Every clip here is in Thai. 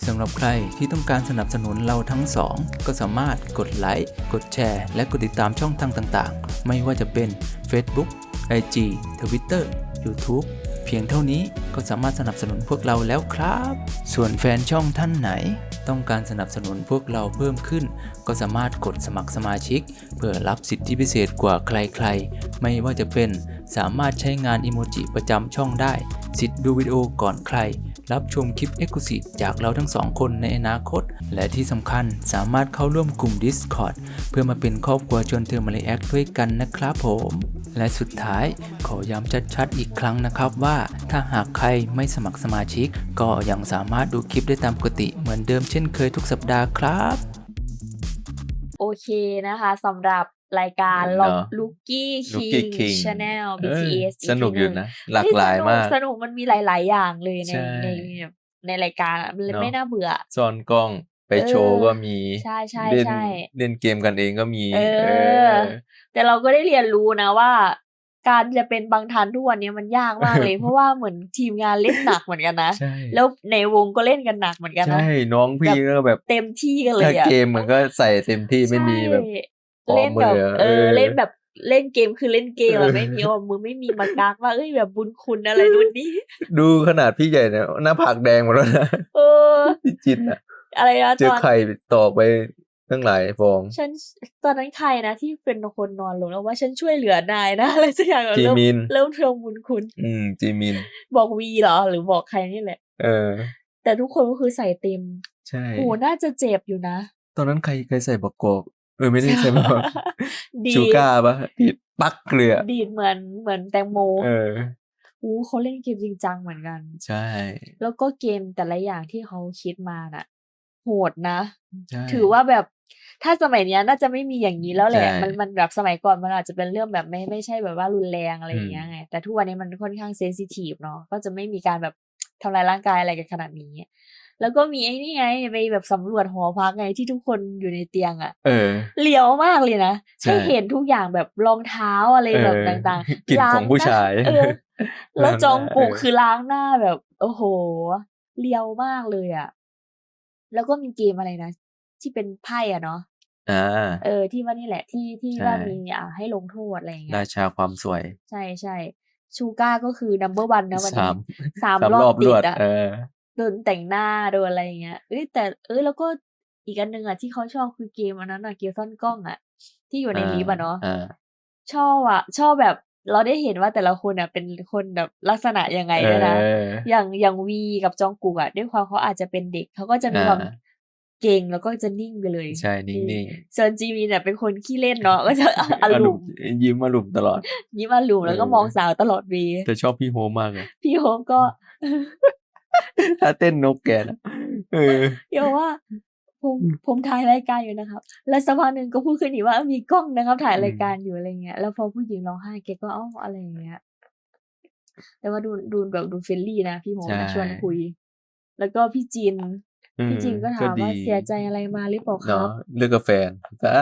สำหรับใครที่ต้องการสนับสนุนเราทั้งสองก็สามารถกดไลค์กดแชร์และกดติดตามช่องทางต่างๆไม่ว่าจะเป็น Facebook IG Twitter YouTube เพียงเท่านี้ก็สามารถสนับสนุนพวกเราแล้วครับส่วนแฟนช่องท่านไหนต้องการสนับสนุนพวกเราเพิ่มขึ้นก็สามารถกดสมัครสมาชิกเพื่อรับสิทธิพิเศษกว่าใครๆไม่ว่าจะเป็นสามารถใช้งานอิโมจิประจำช่องได้สิทธิ์ดูวิดีโอก่อนใครรับชมคลิป Exclusive จากเราทั้งสองคนในอนาคตและที่สำคัญสามารถเข้าร่วมกลุ่ม Discord เพื่อมาเป็นครอบครัวชวนเธอมารีแอคด้วยกันนะครับผมและสุดท้ายขอย้ำชัดๆอีกครั้งนะครับว่าถ้าหากใครไม่สมัครสมาชิกก็ยังสามารถดูคลิปได้ตามปกติเหมือนเดิมเช่นเคยทุกสัปดาห์ครับโอเคนะคะสำหรับรายการเนาะ Lucky Lucky King King Channel เออ BTS สนุกอยู่นะหลากหลายมากสนุกมันมีหลายๆอย่างเลยในใช่ในรายการอะมันเลยเนาะไม่น่าเบื่อซ่อนกล้องไปโชว์ก็มีใช่ใช่เล่นใช่เล่นเกมกันเองก็มีแต่เราก็ได้เรียนรู้นะว่า การจะเป็นบางทันทุกวันนี้มันยากมากเลย เพราะว่าเหมือนทีมงานเล่นหนักเหมือนกันนะใช่แล้วในวงก็เล่นกันหนักเหมือนกันนะใช่น้องพี่ก็แบบเต็มที่กันเลยถ้าอะเกมมันก็ใส่เต็มที่ไม่มีแบบใช่เล่นแบบออมือเล่นแบบเล่นเกมคือเล่นเกมอะไม่มีออมมือไม่มีมากักว่าเอ้ยแบบบุญคุณอะไรนู่นนี่ดูขนาดพี่ใหญ่เนี่ยหน้าผากแดงหมดแล้วนะเออพี่จินอะอะไรนะเจอไข่ตอกไปตั้งหลายฟองฉันตอนนั้นใครนะที่เป็นคนนอนลงแล้วว่าฉันช่วยเหลือนายนะ อะไรสักอย่างอะจีมินเริ่มทวงบุญคุณจีมินบอกวีเหรอหรือบอกใครนี่แหละ แต่ทุกคนก็คือใส่เต็มใช่โหน่าจะเจ็บอยู่นะตอนนั้นใครใส่บักกอกไม่ได้ใส่บักกอกดีชูก้าปะดีดปักเกลือดีดเหมือนแตงโม เขาเล่นเกมจริงจังเหมือนกันใช่แล้วก็เกมแต่ละอย่างที่เขาคิดมาน่ะ โหดนะใช่ถือว่าแบบถ้าสมัยเนี้ยน่าจะไม่มีอย่างนี้แล้วแหละใช่มันแบบสมัยก่อนมันอาจจะเป็นเรื่องแบบไม่ใช่แบบว่ารุนแรงอะไรอย่างเงี้ยไง แต่ทุกวันนี้มันค่อนข้างเซนซิทีฟเนาะ ก็จะไม่มีการแบบทำลายร่างกายอะไรกันขนาดนี้ แล้วก็มีไอ้นี่ไงไปแบบสำรวจหอพักไงที่ทุกคนอยู่ในเตียงอะ เลียวมากเลยนะใช่ให้เห็นทุกอย่างแบบรองเท้าอะไรแบบต่างกลิ่นของผู้ชายล้งหน้แล้วจองกุกเออคือล้างหน้าแบบ โอ้โหเลียวมากเลยอะแล้วก็มีเกมอะไรนะ ที่เป็นไพ่อะเนาะที่ว่านี่แหละที่ใช่ว่ามีให้ลงโทษอะไรอย่างเงี้ราย ชาความสวยใช่ชูก้าก็คือ number one นะวันนี้สาม 3 รรออบบ ติรดวดอะ โดนแต่งหน้าโดนอะไรอย่างเงี้ยแต่แล้วก็อีกอันหนึ่งอะที่เขาชอบคือเกมอันนั้นอะเกมซ่อนกล้องอะที่อยู่ในลิฟต์อะเนาะชอบแบบเราได้เห็นว่าแต่ละคนอะเป็นคนแบบลักษณะยังไงด้วยนะอย่างวีกับจองกุกอะด้วยความเขาอาจจะเป็นเด็กเขาก็จะมีความเก่งแล้วก็จะนิ่งไปเลยใช่นิ่งส่วนจีมินเนี่ยเป็นคนขี้เล่นเนาะก็จะๆอารมณ์ยิ้มอารมณ์ตลอดยิ้มอารมณ์แล้วก็มองสาวตลอดวีแต่ชอบพี่โฮมมากเลยพี่โฮมก็ถ้าเต้นนกแกนะพี่โฮมว่าผมถ่ายรายการอยู่นะครับ แล้วสักพักหนึ่งก็พูดขึ้นอีกว่ามีกล้องนะครับ ถ่ายรายการอยู่อะไรเงี้ยแล้วพอผู้หญิงร้องไห้แกก็อะไรอย่างเงี้ยแต่ว่าดูแบบดูเฟรนลี่นะพี่โฮมนะชวนคุย แล้วก็พี่จินก็ถามว่าเสียใจอะไรมาหรือเปล่าครับเลิกกับแฟนกัน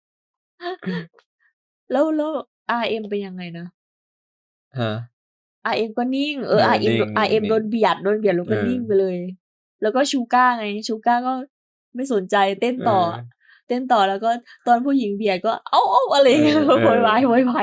แล้วRM เป็นยังไงนะฮะ RM ก็นิ่งนิ่ง RM โดนเบียดแล้วก็นิ่งไปเลย แล้วก็ชูก้าไงชูก้าก็ไม่สนใจเต้นต่อแล้วก็ตอนผู้หญิงเบียดก็เอ้าอะไรเงี้ยโวยวาย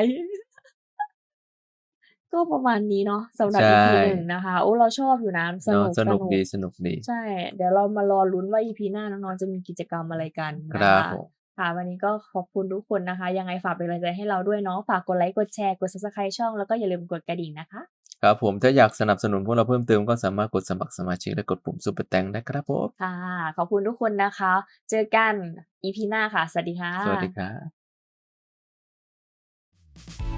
ก็ประมาณนี้เนาะสำหรับ EP 1นะคะเราชอบอยู่นะสนุกดีสนุกดีใช่เดี๋ยวเรามารอลุ้นว่า EP หน้าน้องๆจะมีกิจกรรมอะไรกันคนะรับคะผมค่ะวันนี้ก็ขอบคุณทุกคนนะคะ ยังไงฝากเป็นกำลังใจให้เราด้วยเนาะฝากกดไลค์กดแชร์กด Subscribe ช่องแล้วก็อย่าลืมกดกระดิ่งนะคะครับผมถ้าอยากสนับสนุนพวกเราเพิ่มเติมก็สามารถกดสมัครสมาชิกและกดปุ่มซุปเปอร์แตงได้ครับผมค่ะขอบคุณทุกคนนะคะ เจอกัน EP หน้าค่ะ สวัสดีค่ะสวัสดีครับ